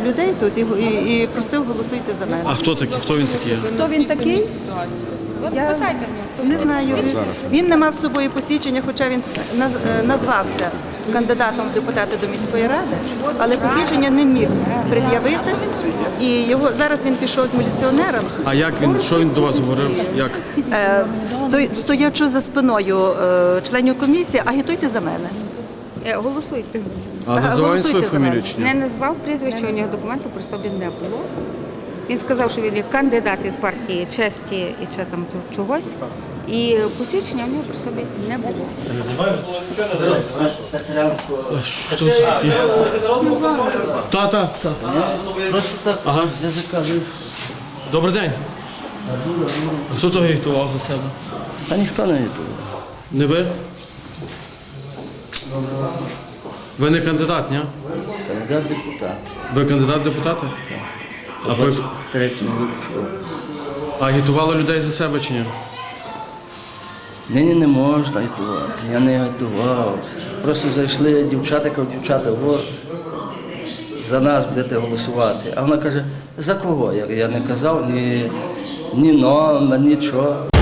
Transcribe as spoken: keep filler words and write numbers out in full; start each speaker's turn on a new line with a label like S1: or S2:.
S1: людей тут і, і, і просив голосуйте за мене.
S2: А хто такий? Хто він такий?
S1: Хто він такий? Я не знаю. Він, він не мав з собою посвідчення, хоча він наз, назвався кандидатом в депутати до міської ради, але посвідчення не міг пред'явити. І його зараз він пішов з міліціонером.
S2: А як він? Що він до вас говорив? Як?
S1: Е, сто- стоячи за спиною е, членів комісії, агітуйте за мене.
S3: Е, Голосуйте.
S2: А називає
S1: Голосуйте
S2: свою
S1: за
S2: фамілію
S1: мене.
S2: чи
S3: Не
S2: ні?
S3: назвав прізвища, у нього документу при собі не було. Він сказав, що він є кандидат від партії честі і чи там чогось. І посвідчення у нього при собі не було.
S2: Хто це такий? Та, та, та.
S4: Просто так
S2: Ага.
S4: я закажу.
S2: Добрий день. А хто того агітував за себе?
S4: Та ніхто не готував.
S2: Не ви? Ви не кандидат, ні?
S4: Кандидат депутат.
S2: Ви кандидат в депутати? А ви
S4: двадцять третьому випуску.
S2: агітували людей за себе чи ні?
S4: Нині не можна готувати. Я не готував. Просто зайшли дівчата, кажуть, дівчата, о, за нас будете голосувати. А вона каже, за кого? Я, я не казав ні, ні номер, нічого.